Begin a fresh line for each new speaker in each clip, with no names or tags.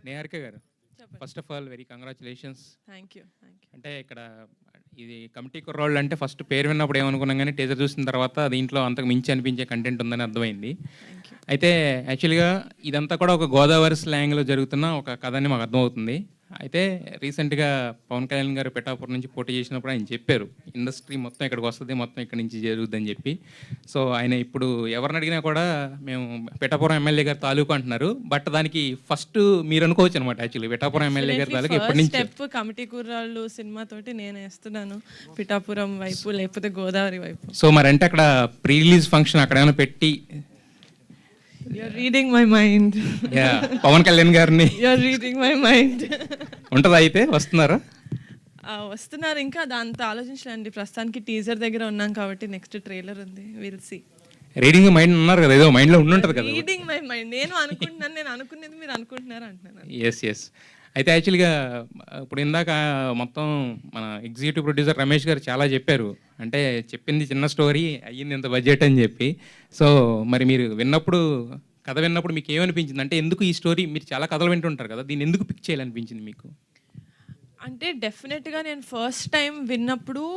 నేహారిక గారు, first of all very congratulations.
Thank you.
అంటే ఇక్కడ ఇది కమిటీ కుర్రాళ్ళు అంటే ఫస్ట్ పేరు విన్నప్పుడు ఏమనుకున్నాం, కానీ టీజర్ చూసిన తర్వాత దీంట్లో అంతకు మించి అనిపించే కంటెంట్ ఉందని అర్థమైంది. అయితే యాక్చువల్గా ఇదంతా కూడా ఒక గోదావరి స్లాంగ్లో జరుగుతున్న ఒక కథ అని మాకు అర్థమవుతుంది. అయితే రీసెంట్గా పవన్ కళ్యాణ్ గారు పిఠాపురం నుంచి పోటీ చేసినప్పుడు ఆయన చెప్పారు ఇండస్ట్రీ మొత్తం ఇక్కడికి వస్తుంది, మొత్తం ఇక్కడి నుంచి జరుగుద్దని చెప్పి. సో ఆయన ఇప్పుడు ఎవరిని అడిగినా కూడా మేము పిఠాపురం ఎమ్మెల్యే గారు తాలూకు అంటున్నారు. బట్ దానికి ఫస్ట్ మీరు అనుకోవచ్చు అనమాట. యాక్చువల్లీ పిఠాపురం ఎమ్మెల్యే గారి తాలూకు ఎప్పటి నుంచి
స్టెప్ కమిటీ కుర్రాళ్ళు సినిమా తోటి నేను వేస్తున్నాను పిఠాపురం వైపు లేకపోతే గోదావరి వైపు.
సో మరి అంటే అక్కడ ప్రీ రిలీజ్ ఫంక్షన్ అక్కడ ఏమైనా పెట్టి
You're reading my mind.
Pawan Kalyan గారిని
You're reading my mind.
ఉంటుందా? అయితే వస్తున్నారా?
వస్తున్నారు. ఇంకా దాంతో ఆలోచించలేండి. ప్రస్తుతానికి టీజర్ దగ్గర ఉన్నాం కాబట్టి నెక్స్ట్ ట్రైలర్ ఉంది. Will see.
రీడింగ్ మైండ్ అన్నారు కదా, ఏదో మైండ్లో ఉండుంటుంది కదా.
రీడింగ్ మై మైండ్ నేను అనుకుంటున్నాను, నేను అనుకునేది మీరు అనుకుంటున్నారు అంటున్నాను.
ఎస్. అయితే యాక్చువల్గా ఇప్పుడు ఇందాక మొత్తం మన ఎగ్జిక్యూటివ్ ప్రొడ్యూసర్ రమేష్ గారు చాలా చెప్పారు. అంటే చెప్పింది చిన్న స్టోరీ, అయ్యింది ఇంత బడ్జెట్ అని చెప్పి. సో మరి మీరు కథ విన్నప్పుడు మీకు ఏమనిపించింది? అంటే ఎందుకు ఈ స్టోరీ, మీరు చాలా కథలు వింటుంటారు కదా, దీన్ని ఎందుకు పిక్ చేయాలనిపించింది మీకు?
అంటే డెఫినెట్గా నేను ఫస్ట్ టైం విన్నప్పుడు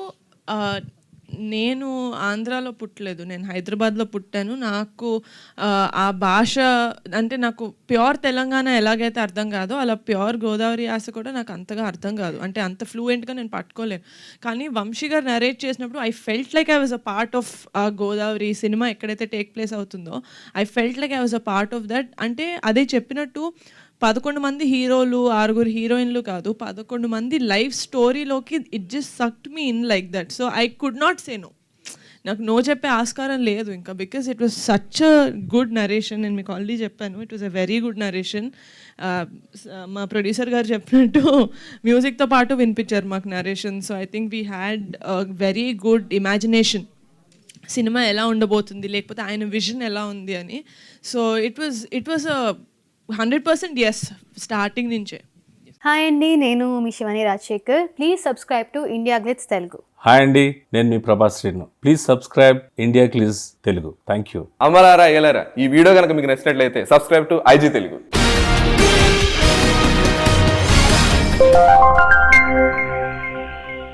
నేను ఆంధ్రాలో పుట్టలేదు, నేను హైదరాబాద్లో పుట్టాను. నాకు ఆ భాష అంటే నాకు ప్యూర్ తెలంగాణ ఎలాగైతే అర్థం కాదో అలా ప్యూర్ గోదావరి యాస కూడా నాకు అంతగా అర్థం కాదు. అంటే అంత ఫ్లూయెంట్గా నేను పట్టుకోలేను. కానీ వంశీ గారు నరేట్ చేసినప్పుడు I felt like I was a part of ఆ గోదావరి సినిమా ఎక్కడైతే టేక్ ప్లేస్ అవుతుందో I felt like I was a part of that. అంటే అదే చెప్పినట్టు 11 మంది హీరోలు 6 హీరోయిన్లు కాదు, 11 మంది లైఫ్ స్టోరీలోకి it just sucked me in like that. So I could not say no. నాకు నో చెప్పే ఆస్కారం లేదు ఇంకా, because it was such a good narration. నేను మీకు ఆల్రెడీ చెప్పాను, it was a very good narration. మా ప్రొడ్యూసర్ గారు చెప్పినట్టు మ్యూజిక్తో పాటు వినిపించారు మాకు narration. So I think we had very good imagination cinema ఎలా ఉండబోతుంది, లేకపోతే ఆయన విజన్ ఎలా ఉంది అని. So it was a 100% yes starting నుంచే.
హాయ్ అండి, నేను మీ Shivani Rajasekhar. Please subscribe to India Glitz Telugu.
Hi అండి, నేను మీ Prabhas Srinu. Please subscribe India Glitz Telugu. Thank you.
అమలారా ఎలారా, ఈ వీడియో కనుక మీకు నచ్చినట్లయితే సబ్స్క్రైబ్ టు IG తెలుగు.